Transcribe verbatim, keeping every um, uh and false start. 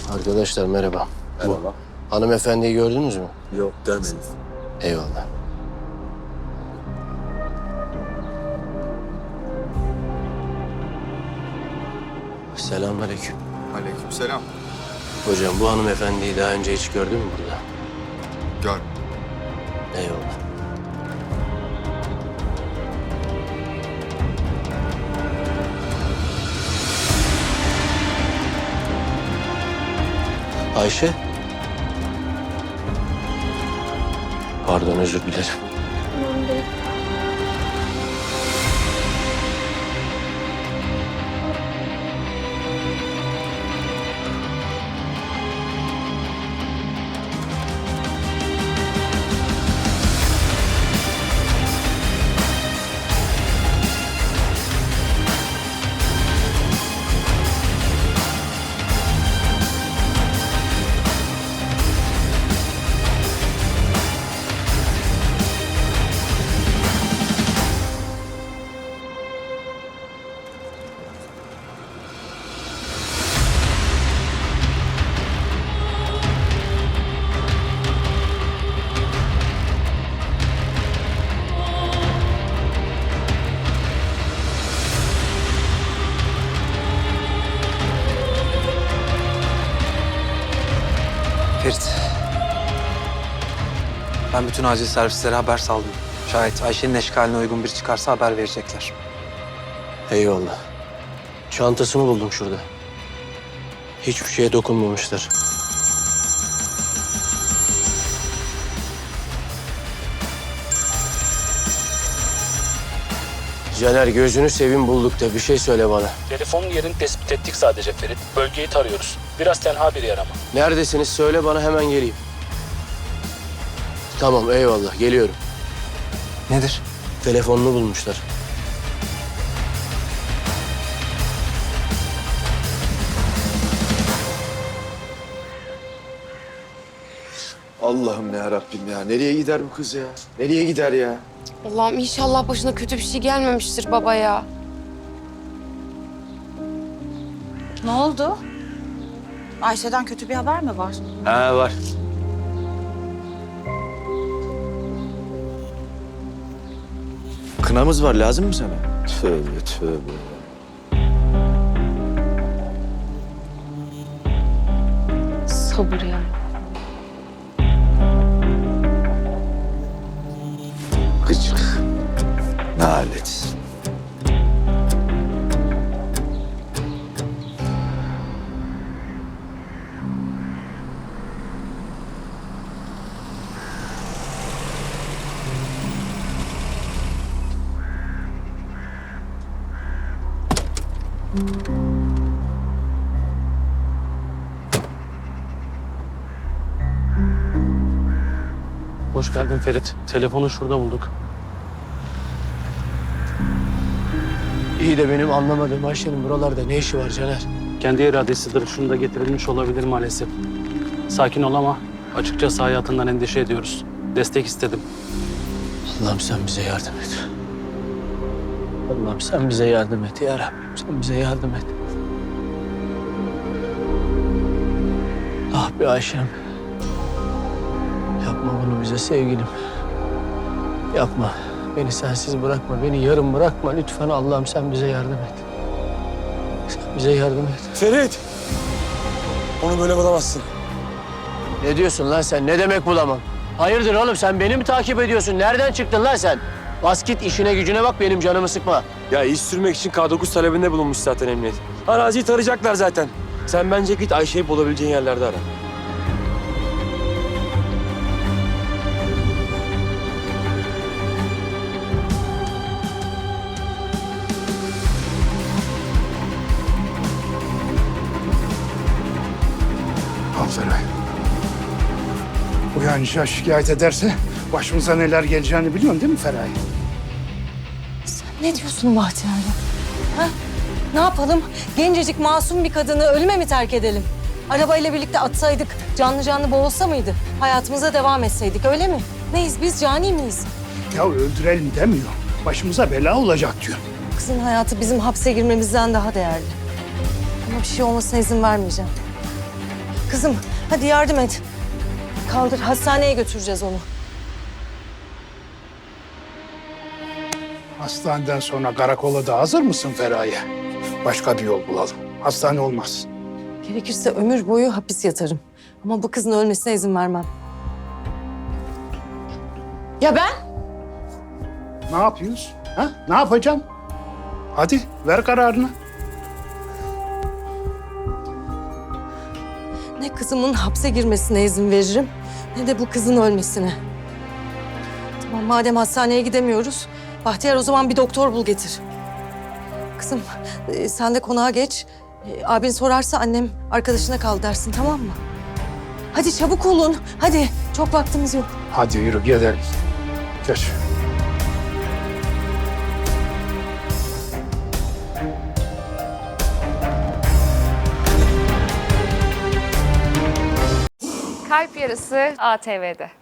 Arkadaşlar merhaba. Merhaba. Bu hanımefendiyi gördünüz mü? Yok, görmedim. Eyvallah. Selamünaleyküm. Aleykümselam. Hocam bu hanımefendiyi daha önce hiç gördün mü burada? Gör. Eyvallah. Ayşe? Pardon, özür dilerim. Ferit. Ben bütün acil servislere haber saldım. Şayet Ayşe'nin eşkaline uygun biri çıkarsa haber verecekler. Eyvallah. Çantasını buldum şurada. Hiçbir şeye dokunmamışlar. Caner, gözünü seveyim, bulduk da bir şey söyle bana. Telefonun yerini tespit ettik sadece Ferit. Bölgeyi tarıyoruz. Biraz tenha bir yer ama. Neredesiniz? Söyle bana, hemen geleyim. Tamam, eyvallah. Geliyorum. Nedir? Telefonunu bulmuşlar. Allah'ım ya Rabbim ya. Nereye gider bu kız ya? Nereye gider ya? Allah'ım inşallah başına kötü bir şey gelmemiştir baba ya. Ne oldu? Ayşe'den kötü bir haber mi var? Ha, var. Kınamız var. Lazım mı sana? Tövbe tövbe. Sabır ya. Gıcık. Nalet. Hoş geldin Ferit. Telefonu şurada bulduk. İyi de benim anlamadığım Ayşe'nin buralarda ne işi var Caner? Kendi iradesidir. Şunu da getirilmiş olabilir maalesef. Sakin ol ama açıkçası hayatından endişe ediyoruz. Destek istedim. Allah'ım sen bize yardım et. Allah'ım sen bize yardım et ya Rabbim. Sen bize yardım et. Ah be Ayşem. Yapma bunu bize sevgilim. Yapma. Beni sensiz bırakma. Beni yarım bırakma. Lütfen Allah'ım sen bize yardım et. Sen bize yardım et. Ferit! Onu böyle bulamazsın. Ne diyorsun lan sen? Ne demek bulamam? Hayırdır oğlum, sen beni mi takip ediyorsun? Nereden çıktın lan sen? Bas git, işine gücüne bak, benim canımı sıkma. Ya iş sürmek için K dokuz talebinde bulunmuş zaten emniyet. Araziyi tarayacaklar zaten. Sen bence git Ayşe'yi bulabileceğin yerlerde ara. Feray. Uyanınca şikayet ederse başımıza neler geleceğini biliyorsun değil mi Feray? Ne diyorsun Bahtiyar ya? Ha? Ne yapalım? Gencecik masum bir kadını ölüme mi terk edelim? Arabayla birlikte atsaydık canlı canlı boğulsa mıydı? Hayatımıza devam etseydik öyle mi? Neyiz biz, cani miyiz? Ya öldürelim demiyor. Başımıza bela olacak diyor. Kızın hayatı bizim hapse girmemizden daha değerli. Ama bir şey olmasına izin vermeyeceğim. Kızım hadi yardım et. Kaldır, hastaneye götüreceğiz onu. Hastaneden sonra karakola da hazır mısın Feraye? Başka bir yol bulalım. Hastane olmaz. Gerekirse ömür boyu hapis yatarım. Ama bu kızın ölmesine izin vermem. Ya ben? Ne yapıyoruz? Ha? Ne yapacağım? Hadi ver kararını. Ne kızımın hapse girmesine izin veririm, ne de bu kızın ölmesine. Tamam, madem hastaneye gidemiyoruz, Bahtiyar o zaman bir doktor bul getir. Kızım, e, sen de konağa geç. E, abin sorarsa annem arkadaşına kal dersin, tamam mı? Hadi çabuk olun, hadi. Çok vaktimiz yok. Hadi yürü gidelim. Geç. Kalp Yarısı A T V'de.